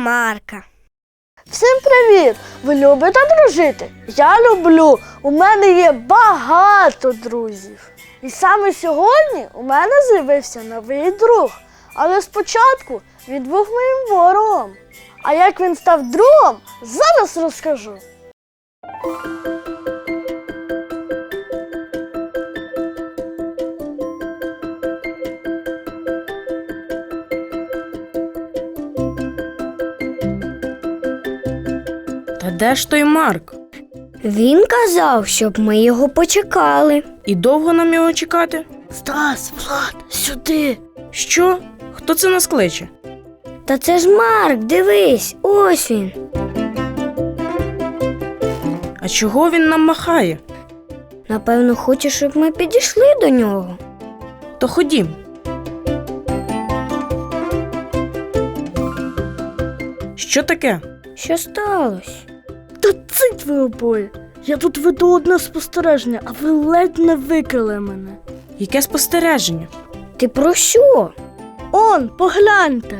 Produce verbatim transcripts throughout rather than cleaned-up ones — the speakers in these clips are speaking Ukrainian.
Марка. Всім привіт! Ви любите дружити? Я люблю. У мене є багато друзів. І саме сьогодні у мене з'явився новий друг. Але спочатку він був моїм ворогом. А як він став другом, зараз розкажу. Та де ж той Марк? Він казав, щоб ми його почекали. І довго нам його чекати? Стас, Влад, сюди! Що? Хто це нас кличе? Та це ж Марк, дивись, ось він. А чого він нам махає? Напевно, хоче, щоб ми підійшли до нього. То ходім. Що таке? Що сталося? Та цить ви обоє! Я тут веду одне спостереження, а ви ледь не викрили мене. Яке спостереження? Ти про що? Он, погляньте!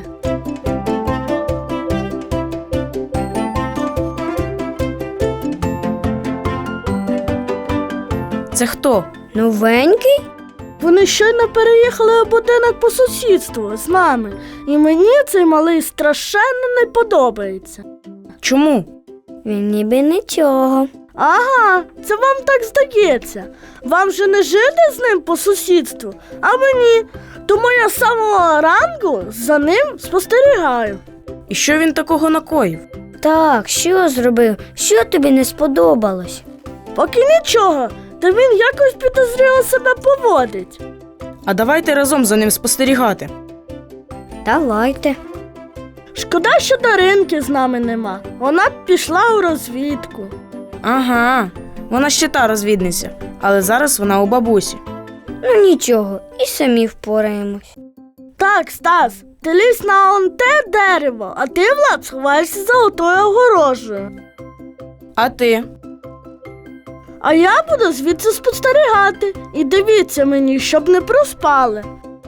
Це хто? Новенький? Вони щойно переїхали у будинок по сусідству з нами. І мені цей малий страшенно не подобається. Чому? Він ніби нічого. Ага, це вам так здається. Вам же не жити з ним по сусідству, а мені. Тому я з самого ранку за ним спостерігаю. І що він такого накоїв? Так, що зробив? Що тобі не сподобалось? Поки нічого, та він якось підозріло себе поводить. А давайте разом за ним спостерігати. Давайте. Шкода, що Даринки з нами нема. Вона б пішла у розвідку. Ага, вона ще та розвідниця, але зараз вона у бабусі. Ну нічого, і самі впораємось. Так, Стас, ти лізь на он те дерево, а ти, Влад, сховаєшся за отою огорожею. А ти? А я буду звідси спостерігати. І дивіться мені, щоб не проспали.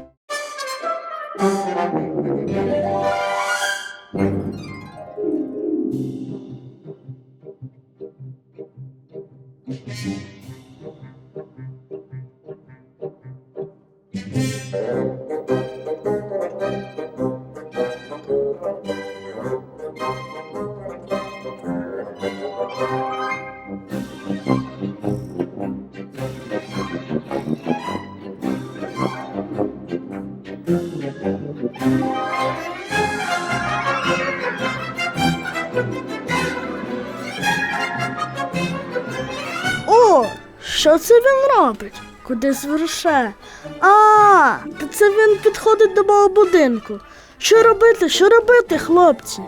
О, що це він робить? Куди зверше? А, та це він підходить до мого будинку. Що робити, що робити, хлопці?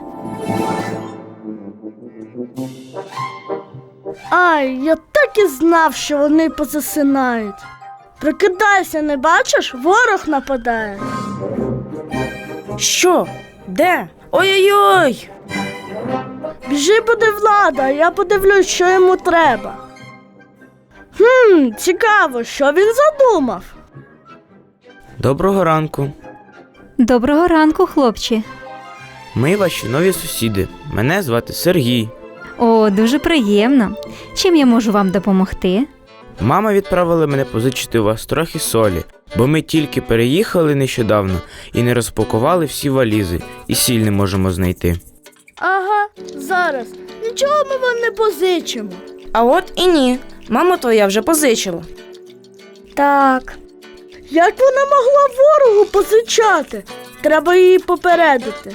Ай, я так і знав, що вони позасинають. Прокидайся, не бачиш? Ворог нападає. Що? Де? Ой-ой-ой! Біжи буде Влада, а я подивлюсь, що йому треба. Хм, цікаво, що він задумав. Доброго ранку. Доброго ранку, хлопці. Ми ваші нові сусіди. Мене звати Сергій. О, дуже приємно. Чим я можу вам допомогти? Мама відправила мене позичити у вас трохи солі, бо ми тільки переїхали нещодавно і не розпакували всі валізи, і сіль не можемо знайти. Ага, зараз. Нічого ми вам не позичимо. А от і ні. Мама твоя вже позичила. Так. Як вона могла ворогу позичати? Треба її попередити.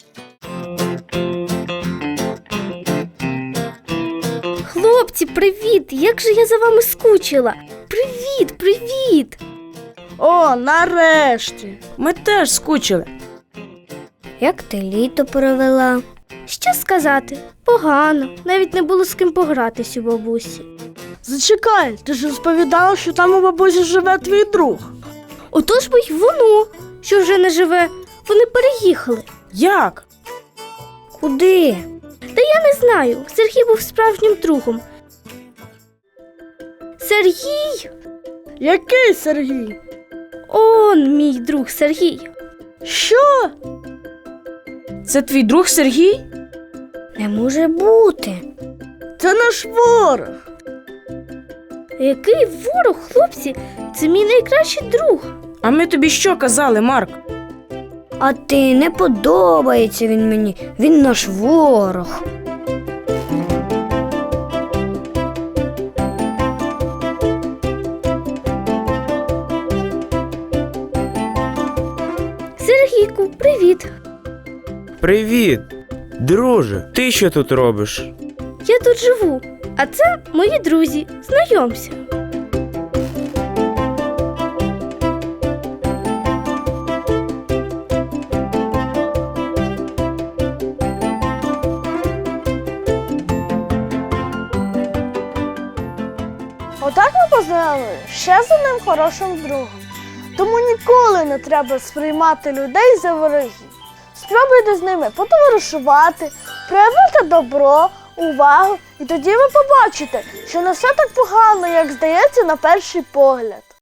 Хлопці, привіт! Як же я за вами скучила? Привіт, привіт! О, нарешті. Ми теж скучили. Як ти літо провела? Що сказати? Погано. Навіть не було з ким погратись у бабусі. Зачекай, ти ж розповідала, що там у бабусі живе твій друг. Отож бо й воно, що вже не живе. Вони переїхали. Як? Куди? Та я не знаю. Сергій був справжнім другом. Сергій? Який Сергій? Он мій друг Сергій. Що? Це твій друг Сергій? Не може бути. Це наш ворог. Який ворог, хлопці? Це мій найкращий друг. А ми тобі що казали, Марк? А ти, не подобається він мені. Він наш ворог. Сергійку, привіт. Привіт! Друже, ти що тут робиш? Я тут живу, а це мої друзі. Знайомся. Отак ми познайомилися ще з одним хорошим другом. Тому ніколи не треба сприймати людей за ворогів. Спробуйте з ними потоваришувати, проявити добро, увагу, і тоді ви побачите, що не все так погано, як здається на перший погляд.